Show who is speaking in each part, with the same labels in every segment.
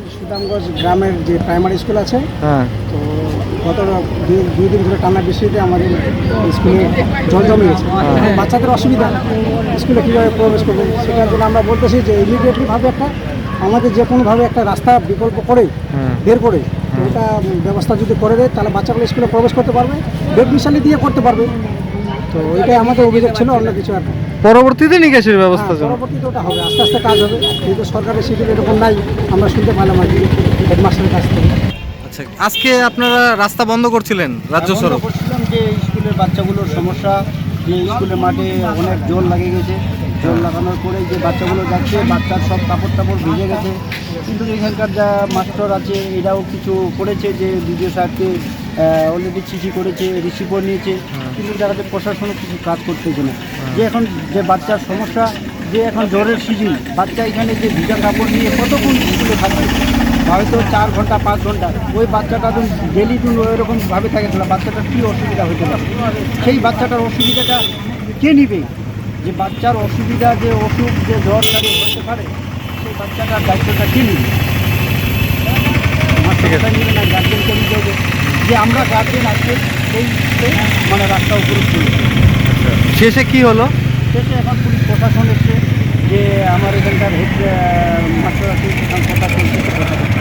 Speaker 1: সুদামগঞ্জ গ্রামের যে primary school আছে,
Speaker 2: হ্যাঁ,
Speaker 1: তো গত দুই দিন ধরে টানা বৃষ্টিতে আমাদের স্কুলে জল জমে গেছে। এখন বাচ্চাদের অসুবিধা, স্কুলে কীভাবে প্রবেশ করবে, সেটার জন্য আমরা বলতেছি যে ইমিডিয়েটলিভাবে একটা আমাদের যে কোনোভাবে একটা রাস্তা বিকল্প করে বের করে এটা ব্যবস্থা যদি করে দেয়, তাহলে বাচ্চাগুলো স্কুলে প্রবেশ করতে পারবে, বেড মিশালি দিয়ে করতে পারবে। তো এটাই আমাদের অভিযোগ ছিল, অন্য কিছু আর না।
Speaker 2: পরবর্তীতে নিকাশের ব্যবস্থা
Speaker 1: হ্যাঁ, পরবর্তীতে ওটা হবে, আস্তে আস্তে কাজ হবে, কিন্তু সরকারের শিডিউল এরকম নাই, আমরা শুনতে পারলাম আর কি হেডমাস্টারের কাছ থেকে।
Speaker 2: আচ্ছা, আজকে আপনারা রাস্তা বন্ধ করছিলেন রাজ্য
Speaker 3: বন্ধ
Speaker 2: সড়ক?
Speaker 3: করছিলাম যে স্কুলের বাচ্চাগুলোর সমস্যা, যে স্কুলের মাঠে অনেক জল লাগে গেছে, জল লাগানোর পরে যে বাচ্চাগুলো যাচ্ছে, বাচ্চার সব কাপড় টাপড় ভিজে গেছে। কিন্তু এখানকার যা মাস্টার আছে এরাও কিছু করেছে, যে বিডিও সাহেবকে অলরেডি চিঠি করেছে, রিসিভও নিয়েছে, কিন্তু দেখাতে প্রশাসনও কিছু কাজ করতেছে না। যে এখন যে বাচ্চার সমস্যা, যে এখন জ্বরের সিজন, বাচ্চা এখানে যে ভিজা কাপড় নিয়ে কতক্ষণ স্কুলে থাকবে, হয়তো 4 ঘন্টা 5 ঘন্টা, ওই বাচ্চাটা তো ডেলি দিন ওইরকমভাবে থাকে, তাহলে বাচ্চাটার কী অসুবিধা হতে পারে? সেই বাচ্চাটার অসুবিধাটা কে নিবে? যে বাচ্চার অসুবিধা, যে অসুখ, যে জ্বর কারে হতে পারে, সেই বাচ্চাটার দায়িত্বটা কে নিবে? মাস্টারটা নিবে না, গার্জেনকে নিতে হবে। যে আমরা গার্জেন আজকে সেই মানে রাস্তা উপরে চলে।
Speaker 2: শেষে কি হলো?
Speaker 3: শেষে এখন পুলিশ প্রশাসন এসছে, যে আমার এখানকার হেড মাস্টার আছে, সেখান কথা চলছে, কথা বলছে।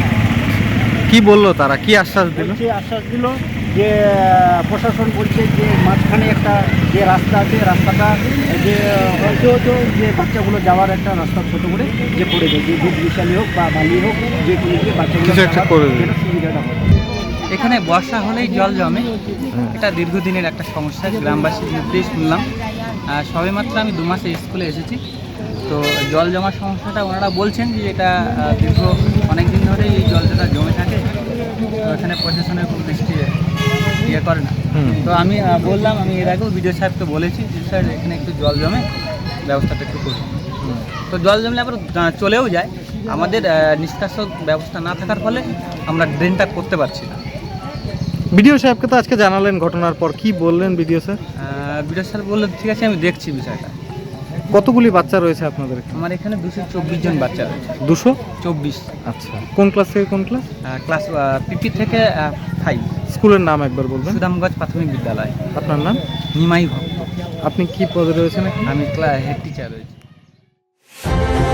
Speaker 2: কি বললো তারা, কি আশ্বাস দিল?
Speaker 3: বলছে, আশ্বাস দিল যে প্রশাসন বলছে যে মাঝখানে একটা যে রাস্তা আছে, রাস্তাটা যে হয়তো যে বাচ্চাগুলো যাওয়ার একটা রাস্তা ছোটো করে যে করে দেয়, যে ভেদ বিশালি হোক বা বালি হোক, যে কোনো দিকে বাচ্চাগুলো
Speaker 2: কিছু একটা করে দেয়।
Speaker 3: যেটা সুবিধাটা হয়।
Speaker 4: এখানে বর্ষা হলেই জল জমে, এটা দীর্ঘদিনের একটা সমস্যা, গ্রামবাসীর মধ্যেই শুনলাম। সবেমাত্র আমি 2 মাসে স্কুলে এসেছি, তো জল জমার সমস্যাটা ওনারা বলছেন যে এটা দীর্ঘ অনেক দিন ধরেই এই জলটা জমে থাকে, তো এখানে প্রশাসনের খুব দৃষ্টি ইয়ে করে না। তো আমি বললাম, আমি এর আগেও বিডিও সাহেবকে বলেছি যে স্যার এখানে একটু জল জমে, ব্যবস্থাটা একটু করুন। তো জল জমলে আবার চলেও যায়, আমাদের নিষ্কাশক ব্যবস্থা না থাকার ফলে আমরা ড্রেনটা করতে পারছি না।
Speaker 2: বিডিও সাহেবকে তো আজকে জানালেন ঘটনার পর, কি বললেন বিডিও স্যার?
Speaker 4: বিডিও স্যার বললেন ঠিক আছে, আমি দেখছি বিষয়টা।
Speaker 2: কতগুলি বাচ্চা রয়েছে আপনাদের এখানে?
Speaker 4: আমার এখানে 224 জন বাচ্চা রয়েছে।
Speaker 2: 224? আচ্ছা, কোন ক্লাস থেকে কোন ক্লাস?
Speaker 4: ক্লাস পিপি থেকে 5।
Speaker 2: স্কুলের নাম একবার বলবেন?
Speaker 4: সুদামগঞ্জ প্রাথমিক বিদ্যালয়।
Speaker 2: আপনার নাম?
Speaker 4: নিমাই ভক্ত।
Speaker 2: আপনি কি পদে রয়েছেন?
Speaker 4: আমি হেড টিচার রয়েছি।